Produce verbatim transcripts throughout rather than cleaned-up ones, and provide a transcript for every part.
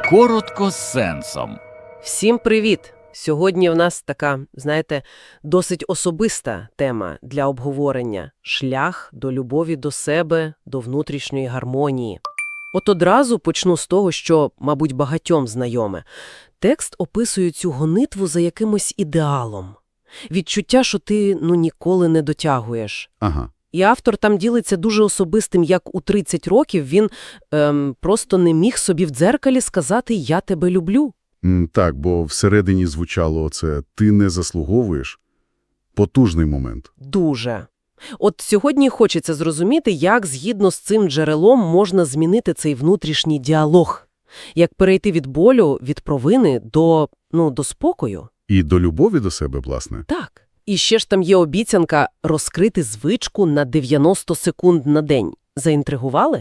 Коротко з сенсом. Всім привіт! Сьогодні в нас така, знаєте, досить особиста тема для обговорення – шлях до любові до себе, до внутрішньої гармонії. От одразу почну з того, що, мабуть, багатьом знайоме. Текст описує цю гонитву за якимось ідеалом. Відчуття, що ти, ну, ніколи не дотягуєш. Ага. І автор там ділиться дуже особистим, як у тридцять років він ем, просто не міг собі в дзеркалі сказати «я тебе люблю». М, Так, бо всередині звучало оце «ти не заслуговуєш». Потужний момент. Дуже. От сьогодні хочеться зрозуміти, як згідно з цим джерелом можна змінити цей внутрішній діалог. Як перейти від болю, від провини до, ну, до спокою. І до любові до себе, власне. Так. І ще ж там є обіцянка розкрити звичку на дев'яносто секунд на день. Заінтригували?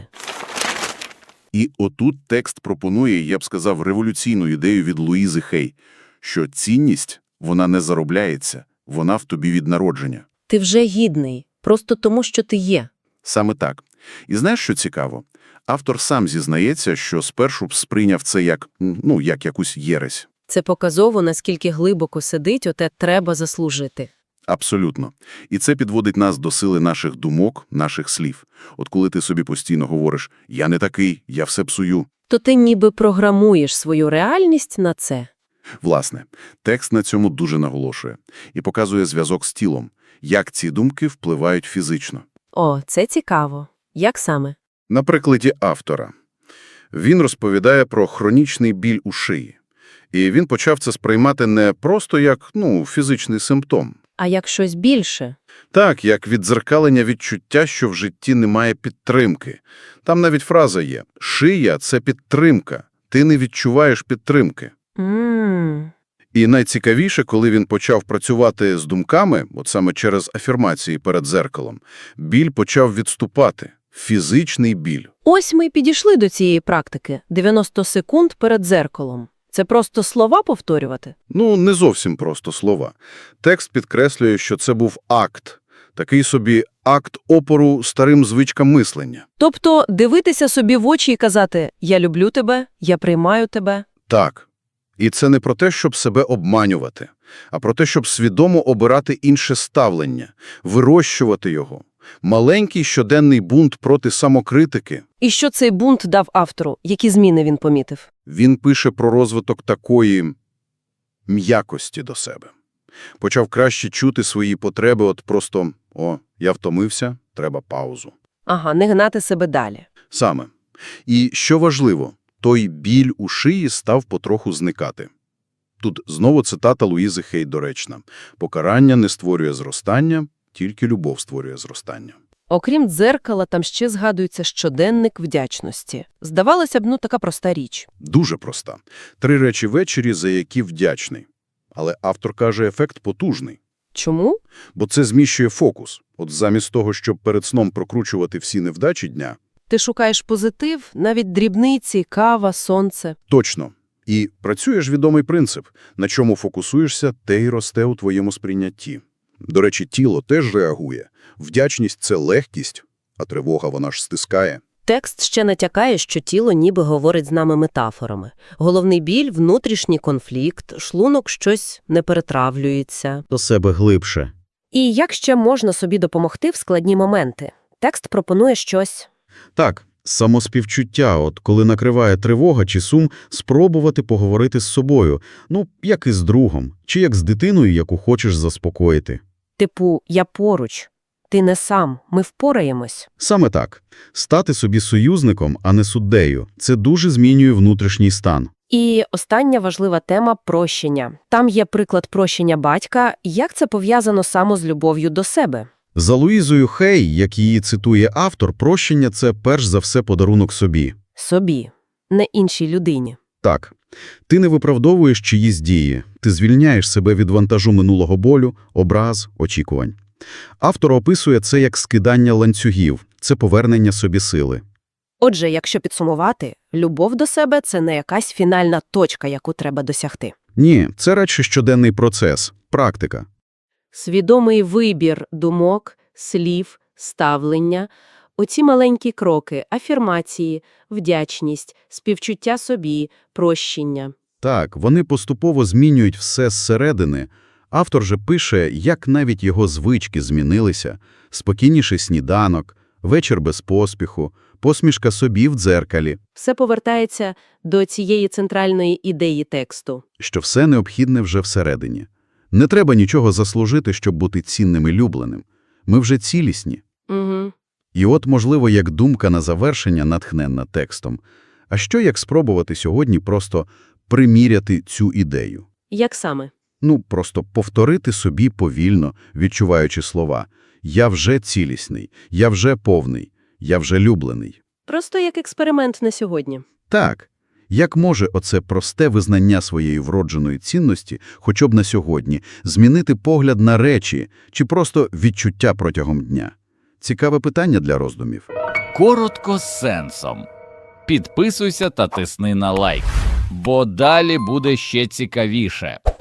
І отут текст пропонує, я б сказав, революційну ідею від Луїзи Хей, що цінність, вона не заробляється, вона в тобі від народження. Ти вже гідний, просто тому, що ти є. Саме так. І знаєш, що цікаво? Автор сам зізнається, що спершу б сприйняв це як, ну, як якусь єресь. Це показово, наскільки глибоко сидить оте «треба заслужити». Абсолютно. І це підводить нас до сили наших думок, наших слів. От коли ти собі постійно говориш «я не такий, я все псую». То ти ніби програмуєш свою реальність на це. Власне, текст на цьому дуже наголошує. І показує зв'язок з тілом, як ці думки впливають фізично. О, це цікаво. Як саме? На прикладі автора. Він розповідає про хронічний біль у шиї. І він почав це сприймати не просто як, ну, фізичний симптом. А як щось більше? Так, як віддзеркалення відчуття, що в житті немає підтримки. Там навіть фраза є «шия – це підтримка, ти не відчуваєш підтримки». Ммм. І найцікавіше, коли він почав працювати з думками, от саме через афірмації перед дзеркалом, біль почав відступати. Фізичний біль. Ось ми й підійшли до цієї практики. дев'яносто секунд перед дзеркалом. Це просто слова повторювати? Ну, не зовсім просто слова. Текст підкреслює, що це був акт. Такий собі акт опору старим звичкам мислення. Тобто дивитися собі в очі і казати «я люблю тебе», «я приймаю тебе». Так. І це не про те, щоб себе обманювати, а про те, щоб свідомо обирати інше ставлення, вирощувати його. Маленький щоденний бунт проти самокритики. І що цей бунт дав автору? Які зміни він помітив? Він пише про розвиток такої м'якості до себе. Почав краще чути свої потреби, от просто «О, я втомився, треба паузу». Ага, не гнати себе далі. Саме. І, що важливо, той біль у шиї став потроху зникати. Тут знову цитата Луїзи Хей доречна. «Покарання не створює зростання, тільки любов створює зростання». Окрім дзеркала, там ще згадується щоденник вдячності. Здавалося б, ну, така проста річ. Дуже проста. Три речі ввечері, за які вдячний. Але автор каже, ефект потужний. Чому? Бо це зміщує фокус. От замість того, щоб перед сном прокручувати всі невдачі дня. Ти шукаєш позитив, навіть дрібниці, кава, сонце. Точно. І працює ж відомий принцип. На чому фокусуєшся, те й росте у твоєму сприйнятті. До речі, тіло теж реагує. Вдячність – це легкість, а тривога вона ж стискає. Текст ще натякає, що тіло ніби говорить з нами метафорами. Головний біль – внутрішній конфлікт, шлунок щось не перетравлюється. До себе глибше. І як ще можна собі допомогти в складні моменти? Текст пропонує щось. Так, самоспівчуття, от коли накриває тривога чи сум, спробувати поговорити з собою. Ну, як із другом, чи як з дитиною, яку хочеш заспокоїти. Типу «я поруч», «ти не сам», «ми впораємось». Саме так. Стати собі союзником, а не суддею – це дуже змінює внутрішній стан. І остання важлива тема – прощення. Там є приклад прощення батька. Як це пов'язано саме з любов'ю до себе? За Луїзою Хей, як її цитує автор, прощення – це перш за все подарунок собі. Собі, не іншій людині. Так. Ти не виправдовуєш чиїсь дії. Ти звільняєш себе від вантажу минулого болю, образ, очікувань. Автор описує це як скидання ланцюгів. Це повернення собі сили. Отже, якщо підсумувати, любов до себе – це не якась фінальна точка, яку треба досягти. Ні, це радше щоденний процес, практика. Свідомий вибір думок, слів, ставлення, Оці маленькі кроки – афірмації, вдячність, співчуття собі, прощення. Так, вони поступово змінюють все зсередини. Автор же пише, як навіть його звички змінилися. Спокійніший сніданок, вечір без поспіху, посмішка собі в дзеркалі, Все повертається до цієї центральної ідеї тексту. що все необхідне вже всередині. Не треба нічого заслужити, щоб бути цінним і любленим. Ми вже цілісні. Угу. І от, можливо, як думка на завершення натхненна текстом. А що як спробувати сьогодні просто приміряти цю ідею? Як саме? Ну, просто повторити собі повільно, відчуваючи слова. Я вже цілісний, я вже повний, я вже люблений. Просто як експеримент на сьогодні. Так, як може оце просте визнання своєї вродженої цінності, хоча б на сьогодні, змінити погляд на речі чи просто відчуття протягом дня? Цікаве питання для роздумів. Коротко з сенсом. Підписуйся та тисни на лайк, бо далі буде ще цікавіше.